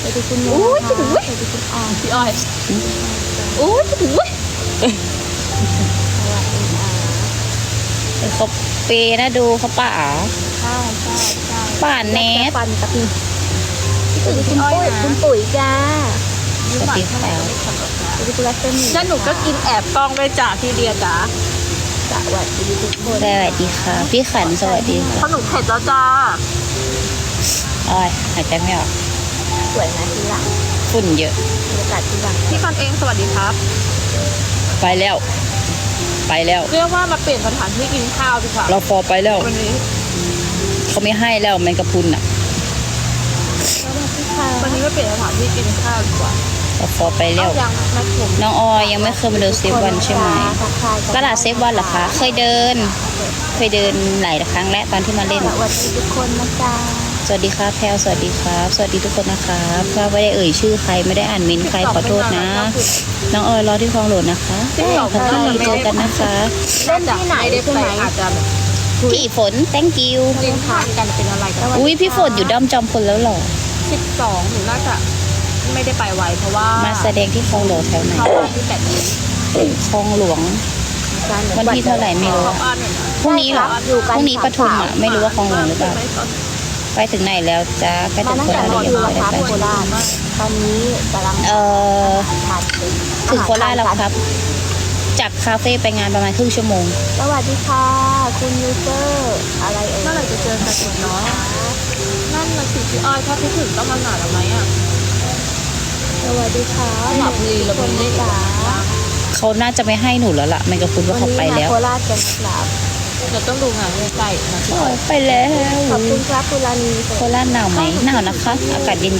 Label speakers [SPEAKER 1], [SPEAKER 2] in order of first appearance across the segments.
[SPEAKER 1] วัสดีคุณโม
[SPEAKER 2] อุ้ย
[SPEAKER 1] ค่ะ
[SPEAKER 2] ถึง
[SPEAKER 1] ส
[SPEAKER 2] เว้ย
[SPEAKER 1] วัสดีคุณออม
[SPEAKER 2] พี่อ้อยอุ้ยถึงเว้ย
[SPEAKER 1] สวัสดีค่ะ
[SPEAKER 3] เขาเปนะดูเขาป่า
[SPEAKER 1] ใช่ใช่ใช่
[SPEAKER 3] ป่าเนส
[SPEAKER 1] ฟันตะกี้
[SPEAKER 2] พี่
[SPEAKER 1] ส
[SPEAKER 2] ถึ
[SPEAKER 1] วัส
[SPEAKER 2] ง
[SPEAKER 1] ดีคุ
[SPEAKER 2] พี่
[SPEAKER 1] ณ
[SPEAKER 2] อ้อย
[SPEAKER 1] ปุ้ย
[SPEAKER 2] นะ
[SPEAKER 1] คุณปุ๋ยจ้า
[SPEAKER 3] สวัสดีค่ะ
[SPEAKER 1] สวัสดีคุณรัตมี
[SPEAKER 2] แล้วหนูก็กินแอบกล้องด้วยจ้ะพี่เดียจ้ะ
[SPEAKER 1] สวัสดีทุกคน
[SPEAKER 3] สวัสดีค่ะ พี่ขันสวัสดี
[SPEAKER 2] ข
[SPEAKER 3] ค่ะ
[SPEAKER 2] นมเผ็ดแล้วจ้า
[SPEAKER 3] อ้อยหายใจไม่ออก
[SPEAKER 1] สวยนะที่หลัง
[SPEAKER 3] ฝุ่นเยอะ
[SPEAKER 1] บรรยากาศที่หลัง
[SPEAKER 2] พี่กันเองสวัสดีครับ
[SPEAKER 3] ไปแล้ว ไปแล้ว
[SPEAKER 2] เรียกว่ามาเปลี่ยนสถานที่กินข้าวดีกว่า
[SPEAKER 3] เราฟอไปแล้ว
[SPEAKER 2] วันนี้
[SPEAKER 3] เขาไม่ให้แล้วแมงกะพรุนอ่ะ
[SPEAKER 1] สวัสดีค่ะ
[SPEAKER 2] วันนี้ก็เปลี่ยนสถานที่กินข้าวดีกว่า
[SPEAKER 3] เราฟอไปแล้ว
[SPEAKER 2] เอายังมาผม
[SPEAKER 3] น้องออยยังไม่เคยมาเดินเซฟวันใช่ไหม
[SPEAKER 1] ทักทายกัน
[SPEAKER 3] ตลาดเซฟวันเหรอคะ เคยเดิน เคยเดินหลายครั้งแล้วตอนที่มาเล่น
[SPEAKER 1] สวัสดีทุกคนนะจ๊ะ
[SPEAKER 3] สวัสดีครับแพลวสวัสดีครับ สวัสดีทุกคนนะครับถ้าไม่ได้เอ่ยชื่อใครไม่ได้อ่านเมนต์ใครขอโทษนะ น้องออยรอที่คลองหลวงนะคะได้ค่ะพี่เจอกันนะคะ
[SPEAKER 1] เล่นที่ไหน
[SPEAKER 2] ไม่ได้
[SPEAKER 1] ใช่
[SPEAKER 2] ไป
[SPEAKER 1] ไหม
[SPEAKER 2] อาจจะแบบ
[SPEAKER 3] พี่ฝน thank you
[SPEAKER 2] ลิ้นทานกันเป็นอะไรกัน
[SPEAKER 3] อุ้ยพี่ฝนอยู่ด้อมจอมพลแล้วเหรอ
[SPEAKER 2] 12หนูน่าจะไม่ได้ไปไวเพราะว่า
[SPEAKER 3] มาแสดงที่คลองหลวงแถวไหน
[SPEAKER 2] เข้าบ้านที่8 โมง
[SPEAKER 3] คลองหลวง วันที่เท่าไหร่ไม่รู้
[SPEAKER 2] เข้า
[SPEAKER 3] อะ
[SPEAKER 2] บ้านหน่อยนะ
[SPEAKER 3] พรุ่งนี้เหรอพรุ่งนี้ปทุมอ่ะไม่รู้ว่าคลองหลวงหรือเปล่าไปถึงไหนแล้วจ้าไปถึงโคราชหรือยังไม่ได้ไป
[SPEAKER 1] โคราชตอนนี้กำลัง ทานเป็น
[SPEAKER 3] ถึงโคราชแล้วครับ จากคาเฟ่ไปงานประมาณครึ่งชั่วโมง
[SPEAKER 1] สวัสดีค่ะ คุณยูเซอร์อะไรเอ่ย
[SPEAKER 2] เมื่อไหร่จะเจอกันอีกเนาะนั่นน่ะสิพี่อ้อยถ้าพี่ถึงต้องมาหาเราไหมอ่ะ
[SPEAKER 1] สวัสดีค่ะ
[SPEAKER 2] หลับลีเราเป็นเลข
[SPEAKER 1] จ๋า
[SPEAKER 3] เขาน่าจะไม่ให้หนูแล้วล่ะแมงกะพรุนว่า
[SPEAKER 1] วัน
[SPEAKER 3] เขา
[SPEAKER 1] นี้
[SPEAKER 3] ไป
[SPEAKER 1] มา
[SPEAKER 3] แล้ว
[SPEAKER 1] โคราชกันนะครับ
[SPEAKER 2] เราต้องดูงานใกล้ๆนะพี่
[SPEAKER 3] โอ้
[SPEAKER 2] อ้อย
[SPEAKER 3] ยไปแล้ว
[SPEAKER 1] ขอบคุณครับคุณรานี
[SPEAKER 3] โคราชหนาวไหมหนาวนะคะ อากาศเย็น
[SPEAKER 2] ห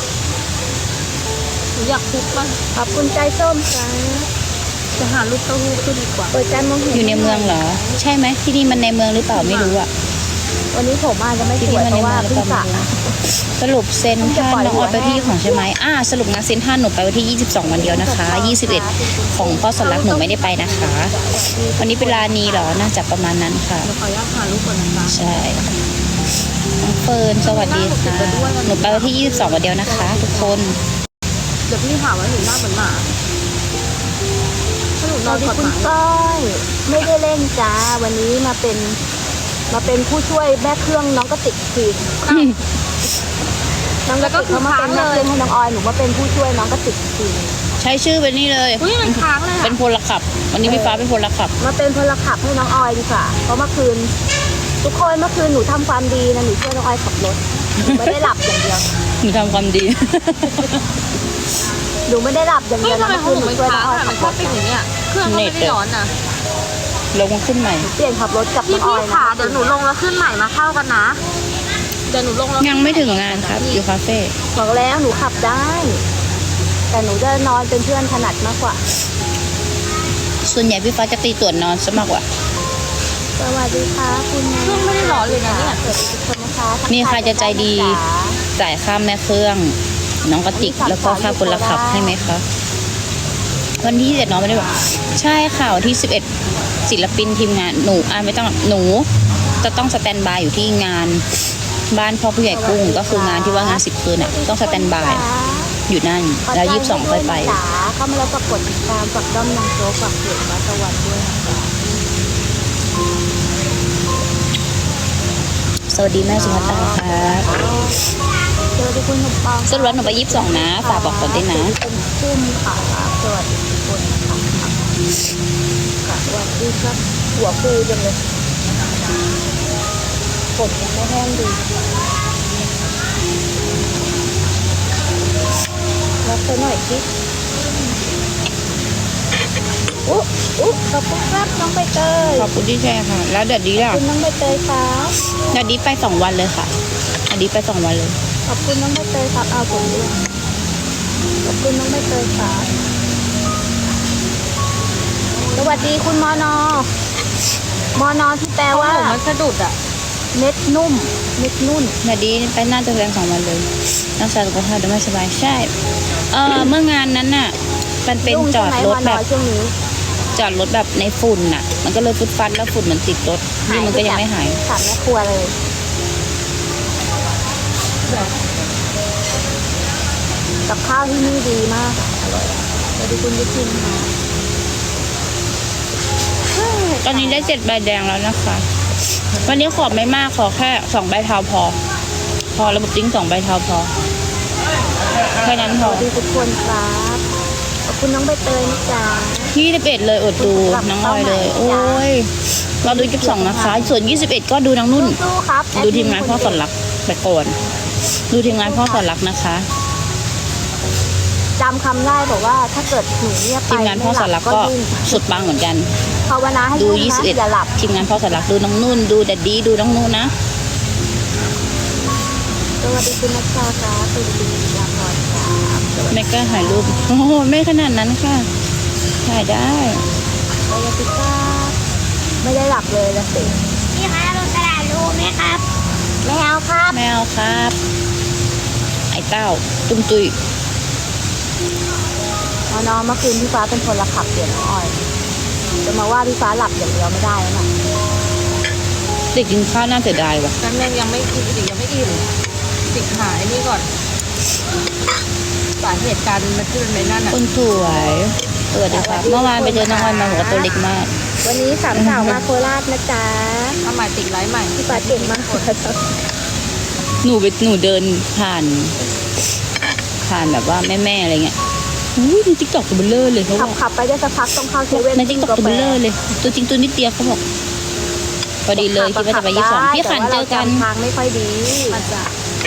[SPEAKER 2] นูอยากคุกบ้าง
[SPEAKER 1] ขอบคุณใจส้มครับ
[SPEAKER 2] จะหาลูกเต้าหู้ขึ้นดีกว่า
[SPEAKER 1] เปิดใจมองเห็น
[SPEAKER 3] ๆอยู่ในเมืองเหรอ ใช่ไหมที่นี่มันในเมืองหรือเปล่าไม่รู้อะ
[SPEAKER 1] วันนี้ผมอาจจะไม่
[SPEAKER 3] ที่
[SPEAKER 1] ส
[SPEAKER 3] นี่
[SPEAKER 1] วย
[SPEAKER 3] มัน
[SPEAKER 1] เพ
[SPEAKER 3] ใน
[SPEAKER 1] ราะ
[SPEAKER 3] เมื
[SPEAKER 1] ว่า
[SPEAKER 3] องหรือ
[SPEAKER 1] เพิ่
[SPEAKER 3] เป
[SPEAKER 1] ง
[SPEAKER 3] ล่า
[SPEAKER 1] สระ
[SPEAKER 3] ไม่รู้สรุปเซนท่านน้องออยไปที่ของใช่ไหมสรุปงานเซนท่านหนูไปวันที่22วันเดียวนะคะ21ของพ่อสลักหนูไม่ได้ไปนะคะ วันนี้เป็นลานีเหรอน่าจะประมาณนั้นค่ะ
[SPEAKER 2] เดี๋ยวขออนุญาตหาลูกก่อนนะคะ
[SPEAKER 3] ใช่น้องเฟิร์นสวัสดีค่ะหนูไปวันที่22วันเดียวนะคะ ทุกคน
[SPEAKER 2] เดี๋ยวพี่หาว่าหนูหน้าเหมือนหมาถ้าหนู
[SPEAKER 1] ส
[SPEAKER 2] นอ
[SPEAKER 1] วัน สดี
[SPEAKER 2] กอด
[SPEAKER 1] คุ
[SPEAKER 2] ห
[SPEAKER 1] ณ
[SPEAKER 2] มา
[SPEAKER 1] ก้อยไม่ได้เล่นจ้าวันนี้มาเป็นผู้ช่วยแม่เครื่องน้องกระติกทีน้องกระติกเขามาเป็นแม่เครื่องให้น้องออยหนูมาเป็นผู้ช่วยน้องกระติกที
[SPEAKER 3] ใช้ชื่อเป็นนี่เลย
[SPEAKER 2] อุ้ยมันค้างเลย
[SPEAKER 3] เป็
[SPEAKER 2] อ่ะ
[SPEAKER 3] นพลขับ วันนี้พี่ฟ้าเป็นพลขับ
[SPEAKER 1] มาเป็นพลขับให้น้องออยดีกว่าเพราะเมื่อคืน ทุกคนเมื่อคืนหนูทำความดีนะหนูช่วยน้องออยขับรถหนูไม่ได้หลับอย่างเดียว
[SPEAKER 3] หนูทำความดี
[SPEAKER 1] หนูไม่ได้หลับอย่าง
[SPEAKER 2] เฮ้
[SPEAKER 1] เดี
[SPEAKER 2] ย
[SPEAKER 1] ยว
[SPEAKER 2] ทำ
[SPEAKER 1] นะ
[SPEAKER 2] ไม
[SPEAKER 1] เมื่อ
[SPEAKER 2] ข
[SPEAKER 1] คื
[SPEAKER 2] อง
[SPEAKER 1] น
[SPEAKER 2] ห
[SPEAKER 1] ห
[SPEAKER 2] นู
[SPEAKER 1] นู
[SPEAKER 2] ไม่
[SPEAKER 1] ช่วยน้
[SPEAKER 2] ค้า
[SPEAKER 1] อง
[SPEAKER 2] ง
[SPEAKER 1] ออย
[SPEAKER 2] อ่ะ
[SPEAKER 1] ขั
[SPEAKER 2] มัน
[SPEAKER 1] บ
[SPEAKER 2] ช
[SPEAKER 1] ร
[SPEAKER 2] อบ
[SPEAKER 1] ถ
[SPEAKER 2] เป็นอย่างเงี้ยเครื่องก็ไม่ได้ร้อนนะ
[SPEAKER 3] ลงมาขึ้นใหม่
[SPEAKER 1] เปลี่ยนขับรถกับน้องออยนะ
[SPEAKER 2] เดี๋ยวหนูลงแล้วขึ้นใหม่มาเข้ากันนะเดี๋ยวหนูลงแล้ว
[SPEAKER 3] ยังไม่ถึงงานครับ อยู่คาเฟ่
[SPEAKER 1] บอกแล้วหนูขับได้ แต่หนูจะนอนเป็นเพื่อนถนัดมากกว่า
[SPEAKER 3] ส่วนใหญ่พี่ฟ้าจะตีตัวนอนซะมากกว่า
[SPEAKER 1] สวัสดีค่ะคุณ
[SPEAKER 2] เครื่องไม่ได้ร้อนเลยนะเนี่ย
[SPEAKER 1] สวัสดีทุกคนนะคะทักทาย
[SPEAKER 3] มีใครจะใจดี
[SPEAKER 1] กันได้นะจ๊ะ
[SPEAKER 3] จ่ายค่าแม่เครื่อง น้องกระติกแล้วก็ค่าพลขับให้ไหมคะ วันที่7น้องไม่ได้บอกใช่ค่ะวันที่11ศิลปินทีมงานหนูไม่ต้องหนูจะต้องสแตนบายอยู่ที่งานบ้านพ่อผู้ใหญ่กุ้งก็คืองานที่ว่างาน10 คืนน่ะต้องสแตนบายอยู่นั่นแล้ว22ค่อยไป
[SPEAKER 1] จ๋าเข้ามาแล้วฝากกดติดตามฝากด้อมนางโจ๊กฝากเพจวัดตะวันด้วยนะจ๊ะ
[SPEAKER 3] สวัสดีแม่สุภัตตาครับ
[SPEAKER 1] สวัสดีคุณหนุ่มปอง
[SPEAKER 3] สรุปว่าหนูไป22นะฝากบอกคนด้วยนะ
[SPEAKER 1] เป็นคุ้มค่ะสวัสดีทุกคนนะคะค่ะสวัสดีครับหัวฟูจังเลยผมยังไม่แห้งดีรับไปหน่อยสิอุ๊ขอบคุณครับน้องใบเตย
[SPEAKER 3] ขอบคุณที่แชร์ค่ะ แล้วเดี๋ยวดีล่ะ
[SPEAKER 1] ขอบคุณน้องใบเตยครับ
[SPEAKER 3] เดี๋ยวดีไป2 วันเลยค่ะอันดีไป2 วันเลย
[SPEAKER 1] ขอบคุณน้องใบเตยครับเอาผมด้วยขอบคุณน้องใบเตยครับสวัสดีคุณมอนอที่แปล
[SPEAKER 2] เพราะ
[SPEAKER 1] ว่า
[SPEAKER 2] หนูมันสะดุดอ่ะ
[SPEAKER 1] เม็ดนุ่มเม็ดนุ่น
[SPEAKER 3] เดี๋ยวดีไปน่าจะแสดง2 วันเลยรักษาสุขภาพเดี๋ยวไม่สบายใช่ เมื่องานนั้นน่ะมันเป็น
[SPEAKER 1] ยุ่ง
[SPEAKER 3] จอด
[SPEAKER 1] ใช่ไหม
[SPEAKER 3] รถ
[SPEAKER 1] มอน
[SPEAKER 3] แบ
[SPEAKER 1] อบ ช่วงนี้
[SPEAKER 3] จอดรถแบบในฝุ่นน่ะ มันก็เลยฟุดฟัดแล้วฝุ่นมันติดรถนี่มันก็ยังไม่หาย
[SPEAKER 1] ถามแม่ครัวเลยกับข้าวที่นี่ดีมากอะอร่อยสวัสดีคุณยุพินค่ะ
[SPEAKER 3] ตอนนี้ได้7 ใบแดงแล้วนะคะ วันนี้ขอไม่มากขอแค่2 ใบเทาพอ พอระบบติ้ง2 ใบเทาพอ แค่นั้นพ
[SPEAKER 1] ส
[SPEAKER 3] อ
[SPEAKER 1] วัสดีทุกคนครับขอบคุณน้องใบเตยนะจ๊ะ
[SPEAKER 3] 21เลยอดดูน้องออยเลย โอ้ย เราดู22นะคะ ส่วน21ก็ดูน้องนุ่น
[SPEAKER 1] สู้ๆครับ
[SPEAKER 3] ดูทีมงานพ่อสอนรักไปก่อน ดูทีมงานพ่อสอนรักนะคะ
[SPEAKER 1] จำคำได้บอกว่าถ้าเกิดหนูเงียบไป
[SPEAKER 3] ทีมงานพ่อสอนรักก็
[SPEAKER 1] ยุ่ง
[SPEAKER 3] สุดปังเหมือนกัน
[SPEAKER 1] ภาวนาให้
[SPEAKER 3] ดู
[SPEAKER 1] ยุ่งนะอย่าหลับ
[SPEAKER 3] 21ทีมงานพ่อสอนรักดูน้องนุ่น ดูแดดดี้ดูน้องนุ่นนะ
[SPEAKER 1] สวัสดีคุณนัชชาครับสวัสดีคุณลาพรครับสวัสดี
[SPEAKER 3] ไม่กล้าถ่ายรูป โอ้โหไม่ขนาดนั้นค่ะ ถ่ายได้
[SPEAKER 1] ครับไม่ได้หลับเลยละสิ
[SPEAKER 2] พี่คะลงกระดาษรูไหมครับ
[SPEAKER 1] ไม่เอาครับ
[SPEAKER 3] ไม่เอาครับ ไอ้เต้า ตุ้มตุย
[SPEAKER 1] เอาน้องเมื่อคืนพี่ฟ้าเป็นคนละขับเปลี่ยนน้องออยจะมาว่าพี่ฟ้าหลับอย่างเดียวไม่ได้นะ
[SPEAKER 3] เด็กกินข้าวน่าเสียดายว่ะ
[SPEAKER 2] น้ำนึงยังไม่กินยังไม่อิ่มติดหายนี่ก่อนสาเหตุการณ์มันขึ้นในนั่นอ่ะ
[SPEAKER 3] คนสวยสวัสดีครับ เมื่อวานไปเจอน้องออยมาบอกว่าตัวเล็กมาก
[SPEAKER 1] วันนี้สามสาวมาโคราชนะจ๊ะ
[SPEAKER 2] ทำไมติดไลฟ์ใหม่
[SPEAKER 1] พี่ฟ้าเก่งมาก
[SPEAKER 3] หนูเดินผ่านแบบว่าแม่อะไรเงี้ยอุ้ยในติ๊กต็อกตัวเบลเลอร์เลยเขาบอก
[SPEAKER 1] ขับไปได้สักพักต้องเข้าเซเว่น
[SPEAKER 3] ในติ๊กต็อกตัวเบลเลอร์เลย ตัวจริงตัวนิดเดียวเขาบอกพอดีเลยคิดว่าจะไป22พี่ขันเจอกัน
[SPEAKER 1] ทางไม่ค่อยดี
[SPEAKER 2] มาจาก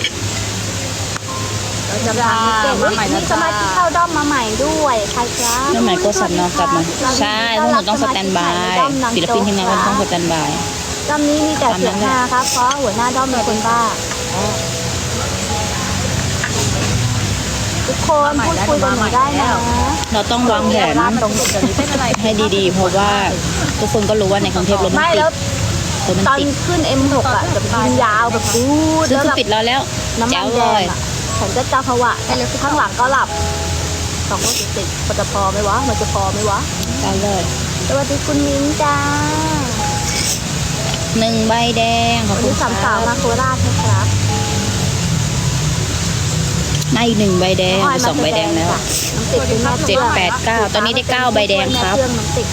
[SPEAKER 1] เราจำทางไม่เก่ง
[SPEAKER 2] มาใหม่
[SPEAKER 1] มี
[SPEAKER 2] นะ
[SPEAKER 1] ส
[SPEAKER 2] จ๊ะ
[SPEAKER 1] มาชิกเข้าด้อมมาใหม่ด้วยใครครับ
[SPEAKER 3] แล้วใหม่ก็สับนอกกลับมาใช่พวกหนูต้องสแตนบายศิลปินทีมงานต้องสแตนบาย
[SPEAKER 1] ด้อมนี้มีแต่เสียงฮาครับเพราะหัวหน้าด้อมเป็นคนบ้าทุกคนพูดคุยกับหนูได้นะ
[SPEAKER 3] เราต้องวางแผน
[SPEAKER 2] ตรงเดี๋ยวนี้เป็นอะไร
[SPEAKER 3] ให้ดีๆ เพราะว่าทุกคนก็รู้ว่าในกรุงเทพรถมัน
[SPEAKER 1] ไม่
[SPEAKER 3] ติด
[SPEAKER 1] แล้ว
[SPEAKER 3] รถมัน
[SPEAKER 1] ตอน
[SPEAKER 3] ติด
[SPEAKER 1] ขึ้น M6 อ่ะแบบยิงยาวแบบพูด
[SPEAKER 3] ซื้อ
[SPEAKER 1] แล้ว
[SPEAKER 3] คือ
[SPEAKER 1] แบบ
[SPEAKER 3] ปิดแล้วแล้ว
[SPEAKER 1] น้ำมั
[SPEAKER 3] แจ๋
[SPEAKER 1] น
[SPEAKER 3] ว
[SPEAKER 1] แด
[SPEAKER 3] เล
[SPEAKER 1] ง
[SPEAKER 3] ย
[SPEAKER 1] อ่ะฉันก็จะภาวะข้างหลังก็หลับ2 คนติดมันจะพอไหมวะมันจะพอไหมวะ
[SPEAKER 3] ได้เลย
[SPEAKER 1] สวัสดีคุณมิ้นจ้า
[SPEAKER 3] 1 ใบแดงขอบ
[SPEAKER 1] วัน
[SPEAKER 3] คุณ
[SPEAKER 1] นี้
[SPEAKER 3] ครั
[SPEAKER 1] สามสาวมา
[SPEAKER 3] บ
[SPEAKER 1] โคราชนะครับ
[SPEAKER 3] ได้อีก1 ใบแดงเป็น2 ใบแดงแล้ว
[SPEAKER 1] น้ำติดเป็นแม่
[SPEAKER 3] 7 8 9ตอนนี้ได้9 ใบแดงครับ
[SPEAKER 1] เครื่องน้ำติด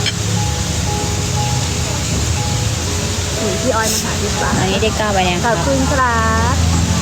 [SPEAKER 1] หนีพี่ออยมาหาพี่ฟ้า
[SPEAKER 3] อันนี้ได้9 ใบแดง
[SPEAKER 1] ข
[SPEAKER 3] ค
[SPEAKER 1] อ
[SPEAKER 3] รั
[SPEAKER 1] บบ คุณครับ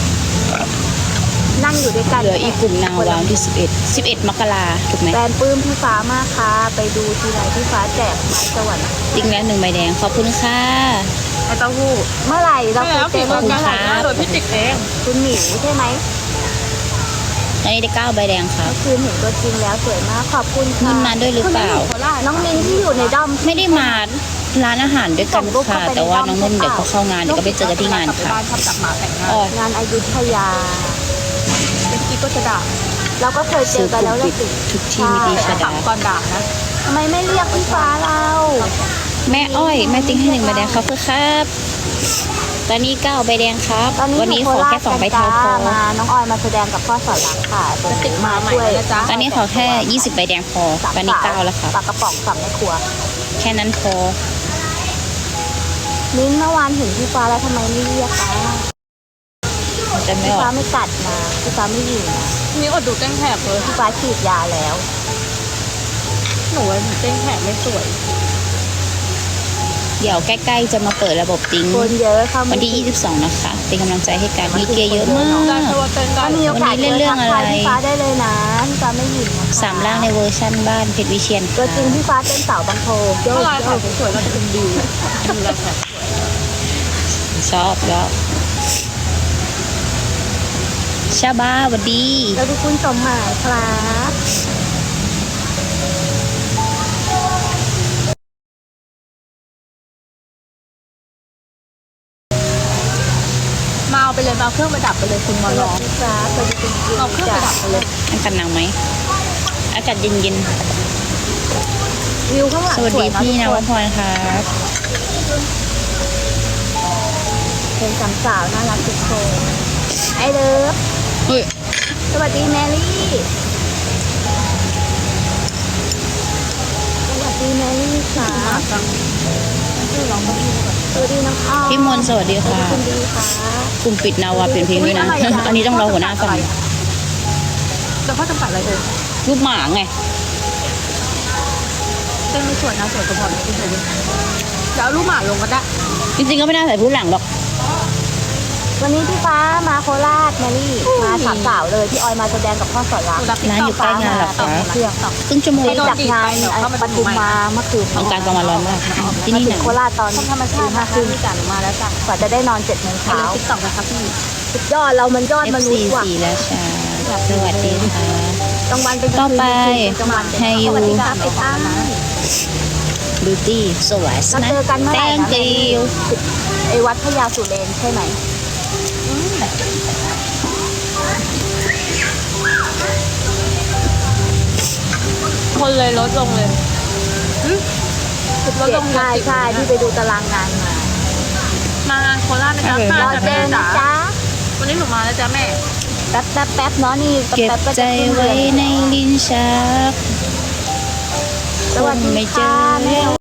[SPEAKER 1] นั่งอยู่ด้วยกัน
[SPEAKER 3] เหลืออีกกลุ่มนางวางที่11 มกราถูกไหม
[SPEAKER 1] แฟนปลื้มพี่ฟ้ามากค่ะไปดูทีไรพี่ฟ้าแจกไม้สวรรค์
[SPEAKER 3] ติ๊งแล้ว1 ใบแดงขอบคุณค่ะ
[SPEAKER 2] ไอ้เต้าหู้
[SPEAKER 1] เมื่อไหร่เราเคยเจอ
[SPEAKER 3] ขอบคุณครับ
[SPEAKER 2] โดยพี่ติ๊กเอง
[SPEAKER 1] คุณหมิวใช่ไหม
[SPEAKER 3] อันนี้ได้9 ใบแดงครับ
[SPEAKER 1] เมื่อคืนเห็นตัวจริงแล้วสวยมากขอบคุณค่ะ
[SPEAKER 3] นุ่นมาด้วยหรือเปล่า
[SPEAKER 1] น้องมินที่อยู่ในด้อม
[SPEAKER 3] ไม่ได้มาร้านอาหารด้วยกันค่ะ แต่ว่าน้องนุ่นเดี๋ยวเขาเข้างานเดี๋ยวก็ไปเจอกันที่งานค่ะ
[SPEAKER 2] บ้านทำจากหมาแต่งงาน
[SPEAKER 3] อ๋อง
[SPEAKER 1] านอยุธยา
[SPEAKER 2] เป็นกี้ก็จะด่า
[SPEAKER 1] เราก็เคยเจ
[SPEAKER 3] ซื้
[SPEAKER 1] อ
[SPEAKER 3] อ
[SPEAKER 1] กัน
[SPEAKER 3] ก
[SPEAKER 1] แล้ว
[SPEAKER 3] ลุ่ม
[SPEAKER 1] ละ
[SPEAKER 3] ปิด
[SPEAKER 1] สิ
[SPEAKER 3] ทุกที่มีดีช
[SPEAKER 2] แต่
[SPEAKER 3] ดา
[SPEAKER 2] ถามก่อนด่านะ
[SPEAKER 1] ทำไมไม่เรียกพี่ฟ้าเรา
[SPEAKER 3] แม่อ้อยแม่ติ๊งให้1 ใบแดงครับคือครับ ตอนนี้9 ใบแดงครับ
[SPEAKER 1] ตอนนี้
[SPEAKER 3] วันนี้
[SPEAKER 1] ยู่
[SPEAKER 3] ขอ
[SPEAKER 1] โรา
[SPEAKER 3] แค่
[SPEAKER 1] ช
[SPEAKER 3] 2 ใบเทาพอ
[SPEAKER 1] มาน้องออยมาแสดงกับพ่อสอนรักค่ะ
[SPEAKER 2] จะติดมาใหม่
[SPEAKER 1] ช่วย
[SPEAKER 2] นะจ๊ะ
[SPEAKER 3] ตอนนี้ขอแค่20 ใบแดงพอ ตอนนี้9แล้วครับ
[SPEAKER 1] ปลากระป๋องสับในครัว
[SPEAKER 3] แค่นั้นพอ
[SPEAKER 1] มิ้นเมื่อวานเห็นพี่ฟ้าแล้วทำไมไม่เรียกคะ
[SPEAKER 3] จะไม่
[SPEAKER 1] พี่
[SPEAKER 3] ออ
[SPEAKER 1] ฟ้าก ไม่กัดนะพี่ฟ้าไม่ยิงนะ
[SPEAKER 2] นี่อดดูแจ้งแถบเลย
[SPEAKER 1] พี่ฟ้าฉีดยาแล้ว
[SPEAKER 2] หนูแจ้งแถบไม่สวย
[SPEAKER 3] เดี๋ยวใกล้ๆจะมาเปิดระบบติ๊ง
[SPEAKER 1] คนเยอะเข้ามา
[SPEAKER 3] วันที่ 22 นะคะ เป็นกำลังใจให้กันมีเกย์เยอะมา
[SPEAKER 2] ได้
[SPEAKER 3] ก
[SPEAKER 2] เพราะว่าเต้นได้
[SPEAKER 1] ถ้ามีโอกาส
[SPEAKER 3] วันนี้เล่นเรื่องอะไร
[SPEAKER 1] ทักทายพี่ฟ้าได้เลยนะพี่ฟ้าไม่ยิงนะคะ
[SPEAKER 3] 3 ร่างในเวอร์ชั่นบ้านเพชรวิเชียน
[SPEAKER 1] ตัว
[SPEAKER 3] ค่ะ
[SPEAKER 1] จริงพี่ฟ้าเป็นสาวบางโพโย
[SPEAKER 2] ถ้าก ลาย
[SPEAKER 1] โย
[SPEAKER 2] แถบ
[SPEAKER 1] ก
[SPEAKER 2] สวยๆเราจะเป็นดิวดูแลแถบสวย
[SPEAKER 3] ชอบชาบ้าสวัสดี
[SPEAKER 1] เราดูคุณสมหมายครับ
[SPEAKER 2] มาเอาไปเลยมาเอาเครื่องประดับไปเลยคุณมาลอง
[SPEAKER 1] พี่ฟ้าสวัสดีคุณจิ๋ว
[SPEAKER 2] เอาเครื่องประดับไปเลย
[SPEAKER 3] อากาศหนาวไหม อากาศเย็น
[SPEAKER 1] วิวข้างหลั
[SPEAKER 3] ๆ
[SPEAKER 1] ง
[SPEAKER 3] สวัส
[SPEAKER 1] สว
[SPEAKER 3] ดี
[SPEAKER 1] ยนะ
[SPEAKER 3] พี่
[SPEAKER 1] ทุ
[SPEAKER 3] น
[SPEAKER 1] ก
[SPEAKER 3] ว
[SPEAKER 1] คน
[SPEAKER 3] พรครับ
[SPEAKER 1] เป็นสามสาวน่ารักทุกคนไอเลิฟ
[SPEAKER 3] เฮ้ย
[SPEAKER 1] สวัสดีแมรี่สวัสดีแมรี่ค่ะ
[SPEAKER 2] มาจังชื่อร้องก็พี่แบบ
[SPEAKER 1] สวัสดีน้องอ้อม
[SPEAKER 3] พี่มนต์สวัสดีค่ะ
[SPEAKER 1] คุณดีค่ะ
[SPEAKER 3] กลุ่มปิดนาวาเปลี่ยนเพลงด้วยนะ อันนี้ต้องรอหัวหน้าฟัง
[SPEAKER 2] โดจะข้อจำกัดอะไรเอ่ย
[SPEAKER 3] รูปหมาไง
[SPEAKER 2] เต้นไม่สวยนะสวยกระบอกเลยที่เคยดูเดี๋ยวเอารูปหมาลงก็ได้
[SPEAKER 3] จริงๆก็ไม่น่าใส่พื้นหลังหรอก
[SPEAKER 1] วันนี้พี่ฟ้ามาโคราชแมรี่มาสามสาวเลยพี่ออยมาแสดงกับพ่อสอนรัก
[SPEAKER 3] ร้านอยู่ใกล้งานเหรอคะ
[SPEAKER 1] เครื่อง
[SPEAKER 3] ครึ่งชั่วโมง
[SPEAKER 1] เสร็จจากงานปทุมมาเมื่อคืน
[SPEAKER 3] ตรงกลางกลางวันร้อนมากที่
[SPEAKER 1] มา
[SPEAKER 3] นี่
[SPEAKER 1] ถึ
[SPEAKER 3] ห
[SPEAKER 1] ง
[SPEAKER 3] นาว
[SPEAKER 1] โคราชตอน
[SPEAKER 2] ธรรมชาติ
[SPEAKER 1] 5
[SPEAKER 2] นะคะ
[SPEAKER 1] คืน
[SPEAKER 2] พี่จ๋าหนูมาแล้วจ้ะ
[SPEAKER 1] กว่าจะได้นอน7 โมง
[SPEAKER 2] เอา
[SPEAKER 1] เช้า
[SPEAKER 2] เลยติ๊กต็อกนะคะพี่
[SPEAKER 1] สุดยอดเรามันยอดมนุษ
[SPEAKER 3] FC
[SPEAKER 1] ย์ว่ะ
[SPEAKER 3] สีราชาสวัสดีค่ะ
[SPEAKER 1] กลางวันเป็น
[SPEAKER 3] ต่อไป
[SPEAKER 1] กลางวันเป็น
[SPEAKER 3] ให้อยู่
[SPEAKER 1] สวัสดีครับไอ้ตั้ง
[SPEAKER 3] บิวตี้สวย
[SPEAKER 1] เรา
[SPEAKER 3] นะ
[SPEAKER 1] เจอกันเมื่อไหร่
[SPEAKER 3] แตง
[SPEAKER 1] นะ
[SPEAKER 3] กิว
[SPEAKER 1] ไอ้วัดพญาสุเรนใช่ไหม
[SPEAKER 2] คนเลยลดลงเลย
[SPEAKER 1] 17ใช่ใช่ที่ไปดูตารางงานมาม
[SPEAKER 2] างานโคราชนะจ๊ะ
[SPEAKER 1] ร
[SPEAKER 2] มา
[SPEAKER 1] อ
[SPEAKER 2] จ้ะ
[SPEAKER 1] เจ
[SPEAKER 2] แม่
[SPEAKER 1] อนะ
[SPEAKER 2] จ๋า
[SPEAKER 1] จ๊ะ
[SPEAKER 2] วันนี้หนูมาแล้วจ้ะแม่
[SPEAKER 1] แป๊บเนาะนี่
[SPEAKER 3] เก็บ
[SPEAKER 1] แป๊บก็
[SPEAKER 3] ใจ
[SPEAKER 1] จะขึ้น
[SPEAKER 3] ไว้
[SPEAKER 1] เดือน
[SPEAKER 3] ในลิ้นชัก
[SPEAKER 1] สวัสดี
[SPEAKER 3] ไม่เจ
[SPEAKER 1] ค่ะ
[SPEAKER 3] อ
[SPEAKER 1] แม่